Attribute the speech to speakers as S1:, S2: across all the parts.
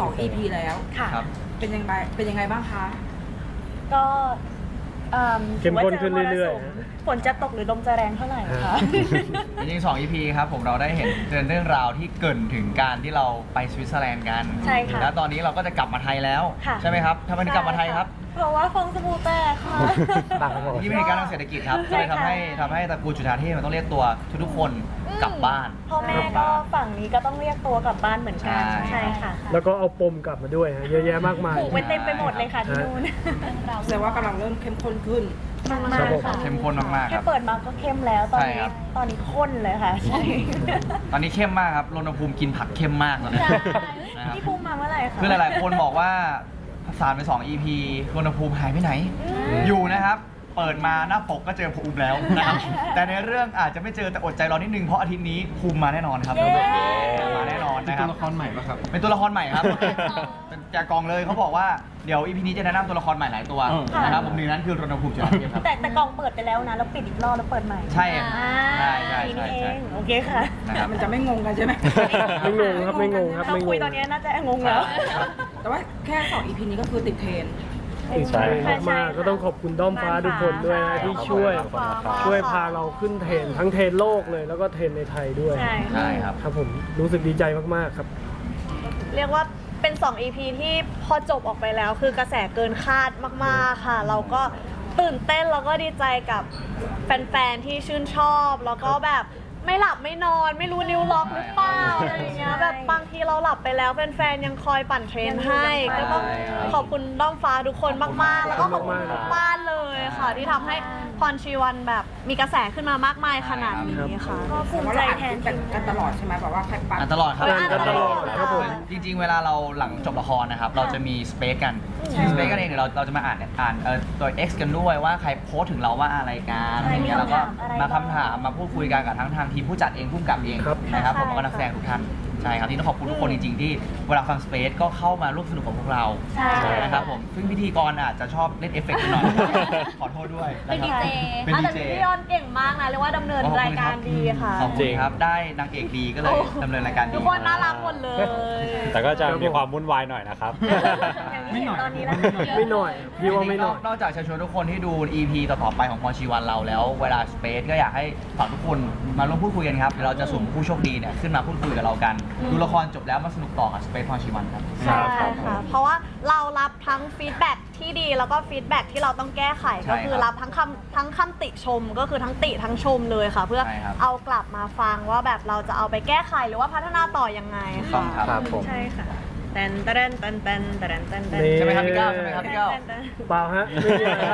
S1: 2 EP แล้วค่ะเป็นยังไงบ้างคะ
S2: ก็
S3: เข้มข้นขึ้นเรื่อย
S2: ๆฝนจะตกหรือลมจะแรงเท่าไหร่คะ
S4: จริงๆ2 EP ครับผมเราได้เห็นเรื่องราวที่เกริ่นถึงการที่เราไปสวิตเซอร์แลนด์กัน
S2: ใช่ค่ะ
S4: แล้วตอนนี้เราก็จะกลับมาไทยแล้วใช่ไหมครับทำไมถึงกลับมาไทยครับ
S2: เพราะว่าฟองสบู่แตกค่ะ
S4: ที่เป็นเหตุการณ์ทางเศรษฐกิจครับก็เลยทำให้ตระกูลจุฑาเทพมันต้องเรียกตัวทุกๆคนกลับบ้าน
S2: พ่อแม่ก็ฝั่งนี้ก็ต้องเรียกตัวกลับบ้านเหมือนกันใช่ค่ะ
S3: แล้วก็เอาปมกลับมาด้วยฮะเยอะแยะมากมาย
S2: ผูกไว้เต็มไปหมดเลยค่ะที่นู่น
S1: แสดงว่ากำลังเริ่มเข้มข้นขึ้น
S2: มากๆค่ะ
S4: เข้มข้นมากๆค
S2: แค่
S4: รับ
S2: เปิดมาก็เข้มแล้วตอนนี้ข้นเลยค่ะใช่
S4: ตอนนี้เข้มมากครับรณภูมิกินผักเข้มมากตอนนี้นะครับ
S2: พี่ภูมิมาเมื่อไหร่คะ
S4: คือหลายๆคนบอกว่าสารไป2 EP รณภูมิหายไปไหนอยู่นะครับเปิดมาหน้าปกก็เจอภูมิแล้วนะครับแต่ในเรื่องอาจจะไม่เจอแต่อดใจรอนิดนึงเพราะอาทิตย์นี้ภูมิมาแน่นอนครับมาแน่นอนนะครับ
S5: เป็นตัวละครใหม่ป่ะครับ
S4: เป็นตัวละครใหม่ครับเป็นจากกองเลยเขาบอกว่าเดี๋ยว EP นี้จะแนะนำตัวละครใหม่หลายตัวนะครับผมหนึ่งนั้นคือรณภูมิจุฬาเทพครับ
S2: แต่กองเปิดไปแล้วนะแล้วปิดอีกรอบแล้วเปิดใหม่
S4: ใช่
S2: ใช่โอเคค่ะ
S1: มันจะไม่งงกันใช่ไหม
S3: ไม่งงครับไม่งงครับไม่งง
S2: คุยตอนนี้น่าจะงงแล้ว
S1: แต่ว่าแค่2 EP นี้ก็คือติดเทรน
S3: ใช่มากก็ต้องขอบคุณด้อมฟ้าทุกคนด้วยนะที่ช่วยพาเราขึ้นเทรนทั้งเทรนโลกเลยแล้วก็เทรนในไทยด้วย
S4: ใช่ครับ
S3: ครับผมรู้สึกดีใจมากๆครับ
S2: เรียกว่าเป็น2 EP ที่พอจบออกไปแล้วคือกระแสเกินคาดมากๆค่ะเราก็ตื่นเต้นแล้วก็ดีใจกับแฟนๆที่ชื่นชอบแล้วก็แบบไม่หลับไม่นอนไม่รู้นิ้วล็อกหรือเปล่าอะไรอย่างเงี้ยแบบบางทีเราหลับไปแล้วแฟนๆยังคอยปั่นเทรนให้ก็ต้องขอบคุณด้อมฟ้าทุกคนมากๆแล้วก็ขอบคุณทุกบ้านเลยค่ะที่ทำให้พรชีวันแบบมีกระแสขึ้นมามากมายขนาดนี้ค่ะก็ภูมิใจแทน
S1: กันตลอดใช่ไหมแบบว่าใครปั่น
S4: ตลอดครับ
S3: กันตลอดครับผม
S4: จริงๆเวลาเราหลังจบละครนะครับเราจะมีสเปซกันสเปซกันเองเดี๋ยวเราจะมาอ่านตัว X กันด้วยว่าใครโพสถึงเราว่าอะไรกันอย่างเงี้ยแล้วก็มาคำถามมาพูดคุยกันกับทั้งทางทีมผู้จัดเองผู้กำกับเองนะครับผมก็นักแสดงทุกท่านใช่ครับที่ต้องขอบคุณทุกคนจริงๆที่เวลาฟังสเปซก็เข้ามาร่วมสนุกกับพวกเรานะครับผมซึ่งพิธีกรอาจจะชอบเล่นเอฟเฟกต์หน่อยขอโทษด้วย
S2: เป็นดีเจแต่พี่ยอนเก่งมากนะเรียกว่าดำเนินรายการดีค่ะ
S4: ขอบคุณครับได้นางเอกดีก็เลยดำเนินรายการดี
S2: ทุกคนน่ารักหมดเลย
S5: แต่ก็จะมีความวุ่นวายหน่อยนะครับ
S2: ไม่หน่อยตอนนี้แล้ว
S3: ไม่หน่อยพี่ว่าไม่หน่อย
S4: นอกจากจะชวนทุกคนที่ดู EP ต่อๆไปของพรชีวันเราแล้วเวลาสเปซก็อยากให้ฝากทุกคนมาร่วมพูดคุยกันครับเดี๋ยวเราจะสุ่มผู้โชคดีเนี่ยขึ้นมาพูดคุยกับเรากันดูละครจบแล้วมาสนุกต่อกับสเปซพรชีวันครับ
S2: ใช่ค่ะเพราะว่าเรารับทั้งฟีดแบ็กที่ดีแล้วก็ฟีดแบ็กที่เราต้องแก้ไขก็คือรับทั้งคำติชมก็คือทั้งติทั้งชมเลยค่ะเพื่อเอากลับมาฟังว่าแบบเราจะเอาไปแก้ไขหรือว่าพัฒนาต่อยังไงค่ะใช่ค่ะแตนแตนแตนแตนแตนแตน
S4: ใช่ไหมครับพี่ก้าวใช่ไหมครับพี่ก้าว
S3: เปล่าฮะไม่มีครับ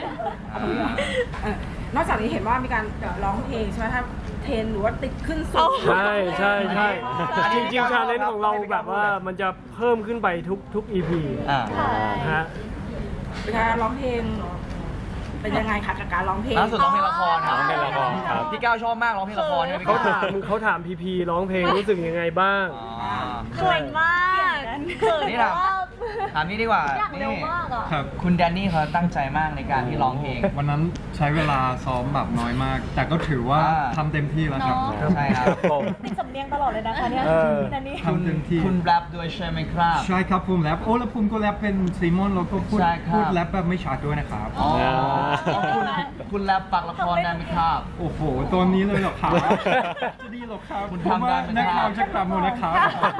S1: นอกจากนี้เห็นว่ามีการร้องเพลงใช่ไหมถ้าเทรนหรือว่าติดขึ้นสูง
S3: ใช่จริงๆชาเลนจ์ของเราแบบว่ามันจะเพิ่มขึ้นไปทุก EP ฮะ
S1: เป็นการร้องเพลงเป็นยังไงคะกับการร้องเพลง
S4: ล่าสุดร้องเพลงละครครับ
S5: ร้องเพลงละครครับ
S4: พี่ก้าวชอบมากร้องเพลงละครเนี่ย
S3: เขาถามพีร้องเพลงรู้สึกยังไงบ้าง
S2: เขินมาก
S4: นี่ถามนี่ดีกว่านี่คุณแดนนี่เขาตั้งใจมากในการที่ร้องเพลง
S5: วันนั้นใช้เวลาซ้อมแบบน้อยมากแต่ก็ถือว่าทำเต็มที่แล้วครับ
S4: ใช่ครับ
S2: ติดสำเนียงตลอดเลยนะคะเนี่ยแดนนี่
S5: ทำเต็มที่
S4: คุณแรปด้วยใช่ไหมครับ
S5: ใช่ครับผมแรปแล้วผมก็แรปเป็นซีมอนแล้วก็พูดแรปแบบไม่ชัดด้วยนะครับ
S4: คุณแรปปักละครได้ไหมครับ
S5: โอ้โหตอนนี้เลยหรอครับจะดีหรอครับ
S4: คุณทำได้ไหม
S5: นักข่าวจะกลับมานะครับ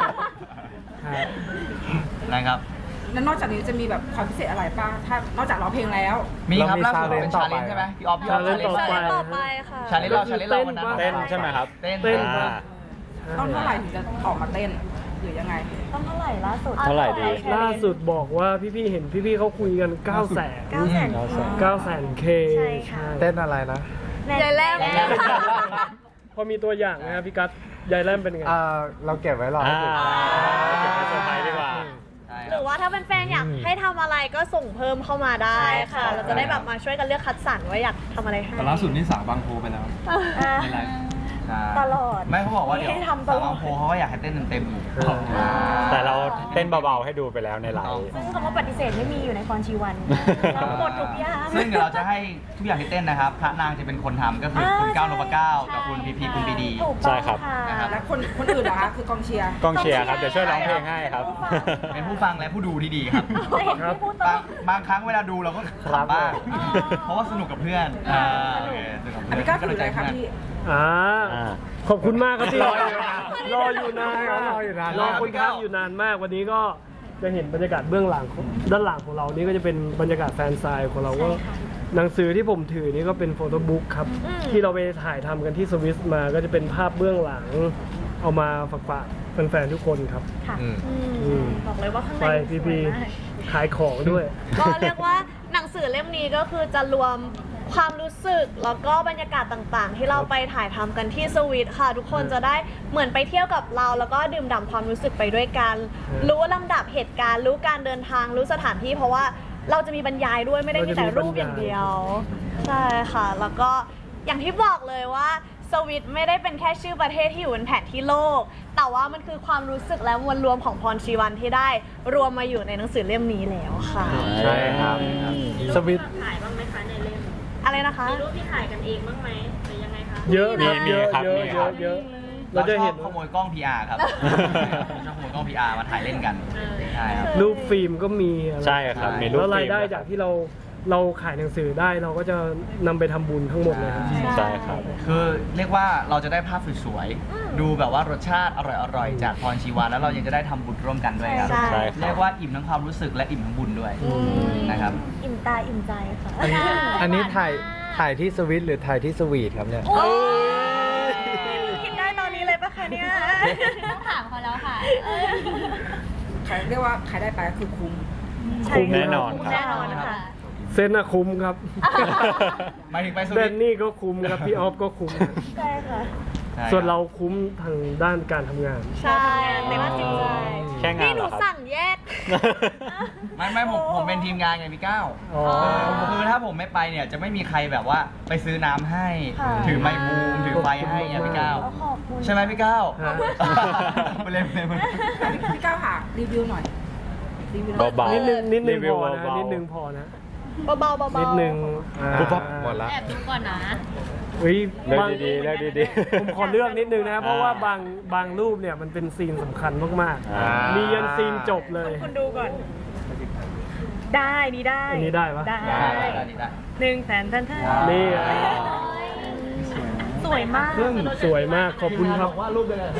S4: นะครับ
S1: แล้วนอกจากนี้จะมีแบบความพิเศษอะไรป่ะถ้านอกจากร้องเพลงแล้ว
S4: มีครับล่าสุดเป็นชาเลนจ์ใช่ไหมพี่ออฟ
S3: ชาเลนจ์
S2: ต่อไปค่ะ
S4: ชาเลนจ์เราวันนั้น
S5: เต้นใช่ไหมครับ
S4: เต้น
S1: ต้องเท่าไหร่ถึงจะออกมาเต้นหรือยังไง
S2: ต้องเท่าไหร่ล่าสุด
S5: เท่าไหร่ดี
S3: ล่าสุดบอกว่าพี่ๆเห็นพี่ๆเขาคุยกัน900,000K
S5: เต้นอะไรนะ
S2: ยายแรม
S3: พอมีตัวอย่างนะครับพี่กัสยายแรมเป็นไง
S5: เราเก็บไว้รอเก็บไว้เซอร์ไพรส์ดีกว่า
S2: หรือว่าถ้าเป็นแฟนอยากให้ทำอะไรก็ส่งเพิ่มเข้ามาได้ค่ะเราจะได้แบบมาช่วยกันเลือกคัดสรรว่าอยากทำอะไรให้
S5: แต่ล่าสุดนี่สาวบางโพไปแล้วในไลฟ์
S4: ใช่
S2: ตลอด
S4: ไม่เขาบอกว่าเดี๋ยว
S2: ให้ทำต
S4: สาว
S2: ล
S4: บา
S2: อง ด
S4: โพเขาก็อยากให้เต้นเต็มๆอีก
S6: แต่เราเต้นเบาๆให้ดูไปแล้วในไลฟ์
S7: ซึ่งคำว่าปฏิเสธไม่มีอยู่ในพรชีวันเราหมดทุกอย่าง
S4: ซึ่งเดี๋ยวเราจะให้ทุกอย่างที่เต้นนะครับ พระนางจะเป็นคนทำก็คือคุณก้าวนพเก้ากับคุณพีพีคุณปีดี
S7: ถูก
S6: ใช่
S7: ต้อง
S6: ครับ
S7: ค่ะ
S4: นะครับ
S1: แล้วคนอื่นเหรอคะคือกองเชียร์
S6: กองเชียร์ครับ เดี๋ยวช่วยร้องเพลงให้ครับ
S4: เป็นผู้ฟังและผู้ดูที่ดีครับ
S7: จะเห็นที่พูดตรง
S4: บางครั้งเวลาดูเราก็
S6: ครับ
S4: ขำบ้างเพราะว่าสนุกกับเพื่อนโอเคสนุกกับ
S1: อัน
S4: เพื่อน
S1: นี้ก็ถือเลยค่ะพี่
S3: อ่า
S6: อ่า
S3: ขอบคุณมากครับที่
S6: รออยู่นาน
S3: รออยู่นาน
S6: รออยู่นาน
S3: รอคนทักอยู่นานมากวันนี้ก็จะเห็นบรรยากาศเบื้องหลังของด้านหลังของเรานี่ก็จะเป็นบรรยากาศแฟนไซน์ของเราก็หนังสือที่ผมถือนี่ก็เป็นโฟโต้บุ๊กครับที่เราไปถ่ายทำกันที่สวิสมาก็จะเป็นภาพเบื้องหลังเอามาฝากแฟนๆทุกคนครับ อืม
S2: บอกเลยว่าข้างใน
S3: ไป
S2: สวย
S3: พี่
S2: มาก
S3: ๆขายของด้วย
S2: ก็เรียกว่าหนังสือเล่มนี้ก็คือจะรวมความรู้สึกแล้วก็บรรยากาศต่างๆ ที่เราไปถ่ายทำกันที่สวิตค่ะ ทุกคนจะได้เหมือนไปเที่ยวกับเรา แล้วก็ดื่มด่ำความรู้สึกไปด้วยกัน รู้ลำดับเหตุการณ์ รู้การเดินทางรู้สถานที่เพราะว่าเราจะมีบรรยายด้วยไม่ได้มีแต่รูปอย่างเดียวใช่ค่ะ แล้วก็อย่างที่บอกเลยว่าสวิตไม่ได้เป็นแค่ชื่อประเทศที่อยู่บนแผนที่โลก แต่ว่ามันคือความรู้สึกและมวลรวมของพรชีวันที่ได้รวมมาอยู่ในหนังสือเล่มนี้แล้วค่ะ
S6: ใช่ครับ
S3: สวิต
S7: ถ่ายบ้างไหมคะในเล่ม
S2: อะไรนะคะ
S7: มีรูปที่ถ่ายกันเองบ้างไหมหรือยังไงคะ
S3: เยอะ
S6: มี
S3: เยอะ
S6: ครับ
S3: เยอะ
S6: มี
S3: เย
S6: ครั
S3: อะ
S6: บ
S3: เยอะ
S4: เรา
S3: เราจะ
S4: ชอ
S3: เห็
S4: บ
S3: น
S4: ขโมยกล้อง PR ครับชอบขโมยกล้อง PR มาถ่ายเล่นกันใช่ครับ
S3: รูปฟิล์มก็มีอะไร
S6: ใช่ครับ มีรูป
S3: แล้วรายได้
S6: ฟิล์ม
S3: จากที่เราขายหนังสือได้เราก็จะนำไปทำบุญทั้งหมดเลยครับ
S6: ใช่ครับ
S4: คือเรียกว่าเราจะได้ภาพสวยๆ ดูแบบว่ารสชาติอร่อยๆ จากพรชีวาแล้วเรายังจะได้ทำบุญร่วมกันด้วยครับ
S2: ใช่
S6: ใช่ครับ
S4: เรียกว่าอิ่มทั้งความรู้สึกและอิ่มทั้งบุญด้วยนะครับ
S7: อิ่มตาอิ่มใจค่ะ
S6: อันนี้ถ่ายที่สวิตหรือถ่ายที่สวีทครับเนี่ย
S2: โอ้ยคิดได้ตอนนี้เลยปะคะเนี่ย
S7: ต้องถามเขาแล้วค่ะ
S1: ขายเรียกว่าขายได้ไปก็คือคุ้ม
S3: คุ้ม
S6: แน่นอนครับ
S2: แน่นอนค่ะ
S3: เซนอะคุ้มครับ
S4: หมายถึงไปส
S3: แด
S4: วิต
S3: นนี่ก็คุ้มครับพี่ออฟก็คุ้มครับ
S2: ใช่ค่ะ
S3: ส่วนเราคุ้มทางด้านการทำงาน
S2: ใช่ในว่าจิตใจ
S6: แค่งาน
S2: นี่ห
S6: เหร
S2: นู
S6: อครับ
S2: สั่งแยก
S4: ไม่ผมเป็นทีมงานไงพี่ก้าว
S3: อ๋อ
S4: คือถ้าผมไม่ไปเนี่ยจะไม่มีใครแบบว่าไปซื้อน้ำให้
S2: ค่ะ
S4: ถือไมค์บูมถือไฟให้ไงพี่ก้าว
S7: ขอบคุณ
S4: ใช่ไหมพี่ก้าว
S3: ฮะ
S4: ไปเล่น
S1: พี่ก้าวค่ะรีวิวหน่อยรีวิวหน่อย
S6: เบาๆ
S3: นิดนึง
S6: รี
S3: พ
S6: วิว
S3: อนะ
S6: เบาๆ
S3: นิดนึงพอนะ
S2: เบาๆเบาๆ
S3: นิดนึง
S6: ปุ๊บปั๊บหมดละ
S7: แอบดูก่อนนะ
S3: เฮ้ย
S6: เลือก
S3: บาง
S6: ดีๆเลือกดีๆ
S3: ผมขอเลือกนิดนึงนะเพราะว่าบางรูปเนี่ยมันเป็นซีนสำคัญมาก
S6: อ่ามี
S3: มียันซีนจบเลย
S2: คุณดูก่อน ได้นี่ได้
S3: อันนี้ได้ปะ
S2: ได้
S4: ได้
S2: หนึ่งแสนท่าน
S3: นี่
S2: สวยมาก
S3: สวยมากขอบคุณครับ
S4: ว่ารูปเดียวกัน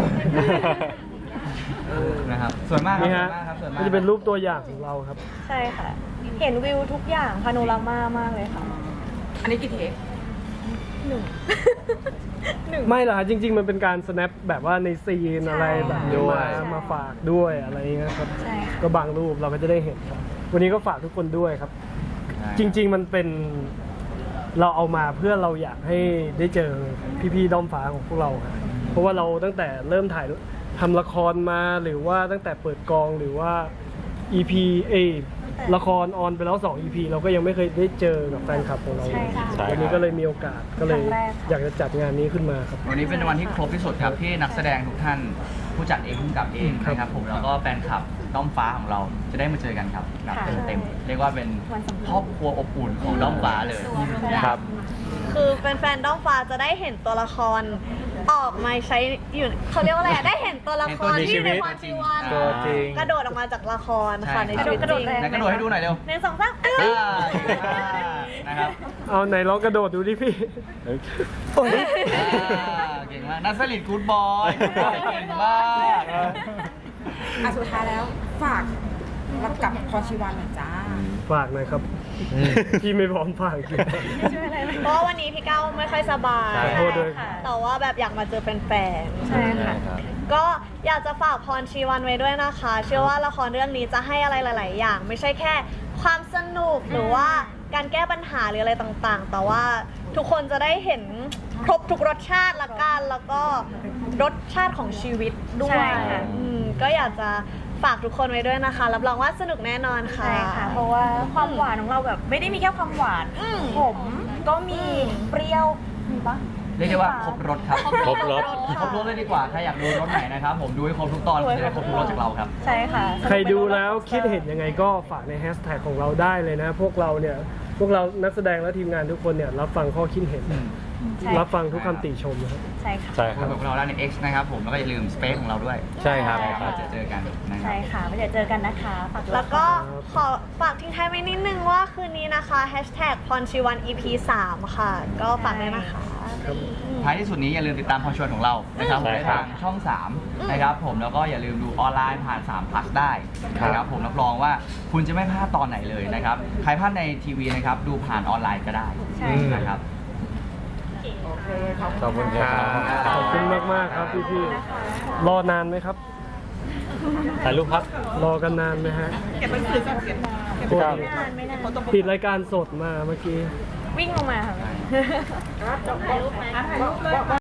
S4: นะครับสวยมากครับ
S3: นี่
S4: สวย
S3: ฮะ
S4: มากครับสวยมาก
S3: มันจะเป็นรูปตัวอย่างของเราครับ
S2: ใช่ค่ะ เห็นวิวทุกอย่างพาโนรามามากเลยค่ะ
S1: อันนี้กี่เทค
S2: หนึ่ง
S3: ไม่หรอกครับจริง ๆ มันเป็นการ snap แบบว่าในซีนอะไรแบบนี้
S6: ด้วย
S3: มาฝากด้วยอะไรอย่างเงี้ยครับ
S2: ใช่ค่ะ
S3: ก็บางรูปเราก็จะได้เห็นครับ วันนี้ก็ฝากทุกคนด้วยครับ จริง ๆ มันเป็นเราเอามาเพื่อเราอยากให้ได้เจอพี่ๆด้อมฟ้าของพวกเราครับเพราะว่าเราตั้งแต่เริ่มถ่ายทำละครมาหรือว่าตั้งแต่เปิดกองหรือว่า EP ละครออนไปแล้ว 2 EP เราก็ยังไม่เคยได้เจอกับแฟนคลับของเราเลย
S6: ใช่
S3: วันนี้
S6: ครับ
S3: ก็เลยมีโอกาสก็เลย
S2: ครั้งแรกค่ะ
S3: อยากจะจัดงานนี้ขึ้นมาครับ
S4: วันนี้เป็นวันที่ครบที่สุดครับที่นักแสดงทุกท่านผู้จัดเองผู้กำกับเองนะครับผมแล้วก็แฟนคลับด้อมฟ้าของเราจะได้มาเจอกันครับแบบเต็มๆเรียกว่าเป็นครอบครัวอบอุ่นของด้อมฟ้าเลยนะครับ
S2: คือแฟนๆด้อมฟ้าจะได้เห็นตัวละครออกมาใช้อยู่เขาเรียกว่าอะไรอะได้เห็นตัวละคร
S6: เห็นตัว
S2: ที่
S6: ชีวิ
S2: ใน
S6: ต
S2: ความชีวัน
S6: ตัวจริง
S2: กระโดดออกมาจากละครค่ะใน
S4: ใช่
S2: ชีวิตจริง
S4: ไหนกระโดดให้ดูหน่อยเร็ว
S2: หนึ่งสองสาม
S4: อ่านะครับ
S3: เอาไหนลองกระโดดดูดิพี่
S4: เก่งมากนัทสลิดกู๊ดบอยเก่งมาก
S1: อ่ะสุดท้ายแล้วฝากรับกับพรชีวันหน่อยจ้า
S3: ฝากหน่อยครับ พี่ไม่พร้อมฝากจริง
S2: เพราะว่าวันนี้พี่ก้าวไม่ค่อยสบาย
S3: ขอโทษด้วย
S2: ค่ะแต่ว่าแบบอยากมาเจอแฟนๆใช่ค่ะ
S6: ครับ
S2: ก็อยากจะฝากพรชีวันไว้ด้วยนะคะ เชื่อว่าละครเรื่องนี้จะให้อะไรหลาย ๆ อย่าง ไม่ใช่แค่ความสนุกหรือว่าการแก้ปัญหาหรืออะไรต่าง ๆ แต่ว่าทุกคนจะได้เห็นครบทุกรสชาติละกันแล้วก็รสชาติของชีวิตด้วยก็อยากจะฝากทุกคนไว้ด้วยนะคะรับรองว่าสนุกแน่นอนค่ะ
S7: ใช่ค่ะ เพราะว่าความหวานของเราแบบไม่ได้มีแค่ความหวาน ขมก็มีเปรี้ยว มีปะ
S4: เรียกได้ว่าครบรถครับ
S6: ครบรถ
S4: ครบรถเลยดีกว่าใครอยากดูรถไหนนะครับผมดูให้ครบทุกตอนจะได้ครบทุกรถจากเราครับ
S7: ใช่ค่ะ
S3: ใครดูแล้วคิดเห็นยังไงก็ฝากในแฮชแท็กของเราได้เลยนะ พวกเรานักแสดงและทีมงานทุกคนเนี่ยรับฟังข้อคิดเห็น
S7: ใช่
S3: รับฟังทุกคำติชมนะครับ
S7: ใช่ค่ะ
S6: ใช่ค
S4: ค
S6: รั
S4: รับบ พวกเราได้ใน X นะครับผมแล้วก็อย่าลืมสเปซของเราด้วย
S6: ใช่ครับ
S4: เราจะเจอกันนะครับ
S7: ใช่ค่ะไม่เดี๋ยวเจอกันนะคะฝากด้วย
S2: แล้วก็ขอฝากทิ้งท้ายไว้นิดนึงว่าคืนนี้นะคะแฮชแท็กพรชีวัน EP 3 ค่ะ ก็ฝากด้วยนะคะ
S4: ท้ายที่สุดนี้อย่าลืมติดตามพอชวนของเรานะครับ
S6: ใช่
S4: ใน
S6: ครับ
S4: ทางช่อง 3 นะครับผมแล้วก็อย่าลืมดูออนไลน์ผ่าน3 plus ได้นะครับผมรับรองว่าคุณจะไม่พลาดตอนไหนเลยนะครับใครพลาดในทีวีนะครับดูผ่านออนไลน์ก็ได้
S7: ใช่
S4: นะครับ
S6: ขอบคุณครับ
S3: ขอบคุณมากๆครับพี่ๆรอนานไหมครับ
S6: ถ่ายรูปครับ
S3: รอกันนานไหมฮะ
S1: เก็บหนังสือก่อนเก็บ
S3: โทษ
S7: ไม่นานไม่นาน
S3: ปิดรายการสดมาเมื่อกี้
S2: วิ่งลงมาค่ะ
S1: ถ่ายรูปเลย